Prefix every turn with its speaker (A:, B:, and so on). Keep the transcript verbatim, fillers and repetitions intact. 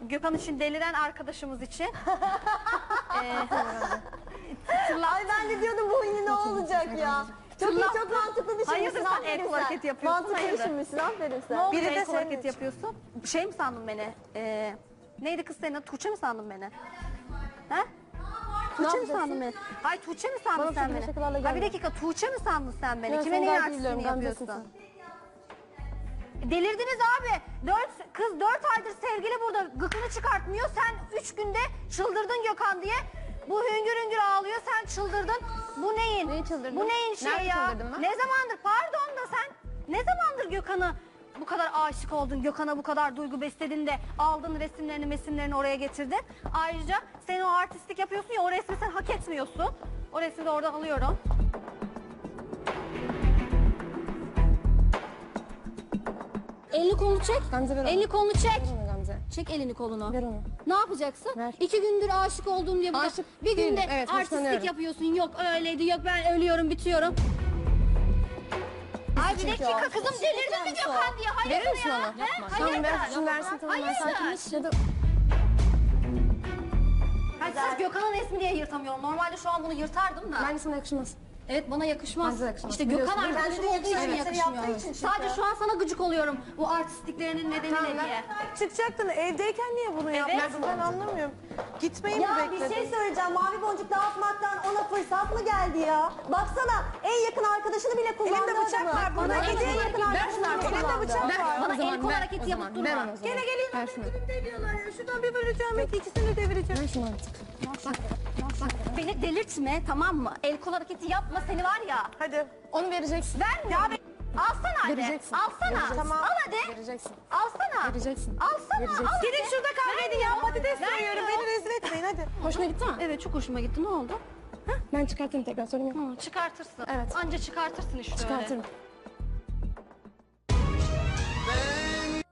A: Gökhan için deliren arkadaşımız için. ee,
B: Ay ben de diyordum bu yine ne olacak ya. Çok iyi, çok mantıklı düşünmüşsün.
A: Hayırdır sen el kol hareketi yapıyorsun?
B: Mantıklı
A: Hayırdır?
B: düşünmüşsün, aferin sen.
A: Ne oldu
C: Biri de
A: el kol
C: senin
A: hareketi
C: için.
A: yapıyorsun? Şey mi sandın beni? Ee, neydi kız senin? Tuğçe mi sandın beni? He? Tuğçe mi
B: yapacaksın?
A: sandın beni? Ay Tuğçe mi sandın
B: Bana
A: sen
B: şöyle
A: beni?
B: şakalarla
A: Ha bir
B: gelme.
A: dakika Tuğçe mi sandın sen beni?
B: Ben
A: Kime
B: seni
A: neyin
B: gayet iyi
A: artistliğini
B: biliyorum,
A: yapıyorsun?
B: gamzesin
A: Delirdiniz abi. Dört, kız dört aydır sevgili burada gıkını çıkartmıyor. Sen üç günde çıldırdın Gökhan diye. Bu hüngür hüngür ağlıyor. Sen çıldırdın. Bu neyin?
B: Neyi çıldırdın?
A: Bu neyin şey
B: Nerede
A: ya?
B: çıldırdım ben?
A: Ne zamandır? Pardon da sen ne zamandır Gökhan'ı bu kadar aşık oldun? Gökhan'a bu kadar duygu besledin de aldın resimlerini mesimlerini oraya getirdin. Ayrıca sen o artistlik yapıyorsun ya o resmi sen hak etmiyorsun. O resmi de oradan alıyorum. Elini kolunu çek.
B: Gamze ver onu.
A: Elini kolunu çek.
B: Ver onu Gamze.
A: Çek elini kolunu.
B: Ver onu.
A: Ne yapacaksın?
B: Ver.
A: İki gündür aşık oldum diye burada
B: Aşık
A: bir günde
B: değilim, evet,
A: artistlik
B: hoşlanıyorum.
A: yapıyorsun. Yok öyleydi, yok ben ölüyorum, bitiyorum. Ay bir
B: çünkü
A: dakika
B: o.
A: kızım delirdin mi Gökhan diye? Hayırdır
B: Verir misin
A: ya?
B: onu?
A: He?
B: Tamam
A: Hayırdır?
B: ver, şunu versin tamam ben
A: Hayırdır?
B: sakinleş. Ya da
A: Hayır, sırf Gökhan'ın resmi diye yırtamıyorum. Normalde şu an bunu yırtardım da.
B: bence sana yakışmaz.
A: Evet bana yakışmaz.
B: Bence de yakışmaz.
A: İşte Gökhan
B: Biliyorsun,
A: arkadaşım
B: bence de
A: olduğu için
B: yakışmaz. Evet,
A: yakışmıyor.
B: yaptığı için çünkü.
A: Sadece şu an sana gıcık oluyorum. Bu artistliklerinin nedeni
B: Tamam,
A: ne
B: ben-
A: diye.
C: Çıkacaktın evdeyken niye bunu yapmadın ben anlamıyorum. Gitmeyi
B: Ya
C: mi
B: bir
C: bekledin?
B: şey söyleyeceğim. Mavi boncuk dağıtmaktan ona fırsat mı geldi ya? Baksana en yakın arkadaşını bile kullandı.
C: Elinde bıçak
B: adamı.
C: var, bana
B: En
C: hediye
B: yakın
C: ver
B: arkadaşını
C: şunu,
B: bile
C: elinde
B: kullandı.
C: bıçak var.
A: Bana
B: O zaman
A: el kol
B: ver,
A: hareketi
B: o
A: yapıp
B: zaman,
A: durma.
B: ver onu o zaman.
C: Gene geleyim
B: Ver şunu.
C: diyorlar ya. Şuradan bir böleceğim ikisini de devireceğim.
B: Ver şunu artık.
A: Bak, bak, beni delirtme tamam mı? El kol hareketi yapma seni var ya.
C: Hadi.
B: Onu vereceksin.
A: Verme. Ya alsana hadi.
B: Vereceksin.
A: Alsana.
B: Vereceksin.
A: Tamam. Al hadi.
B: Vereceksin.
A: Alsana.
B: Vereceksin.
A: Alsana.
B: Vereceksin.
A: Al hadi.
C: Gidin şurada kavga edin ya. Patates
A: Ver
C: soyuyorum.
A: ya.
C: Beni rezil etmeyin hadi.
B: Hoşuna gitti mi?
A: Evet çok hoşuma gitti. Ne oldu?
B: Ben çıkartırım tekrar sorun yok.
A: Hı, çıkartırsın.
B: Evet.
A: Anca çıkartırsın işte öyle.
B: Çıkartırım.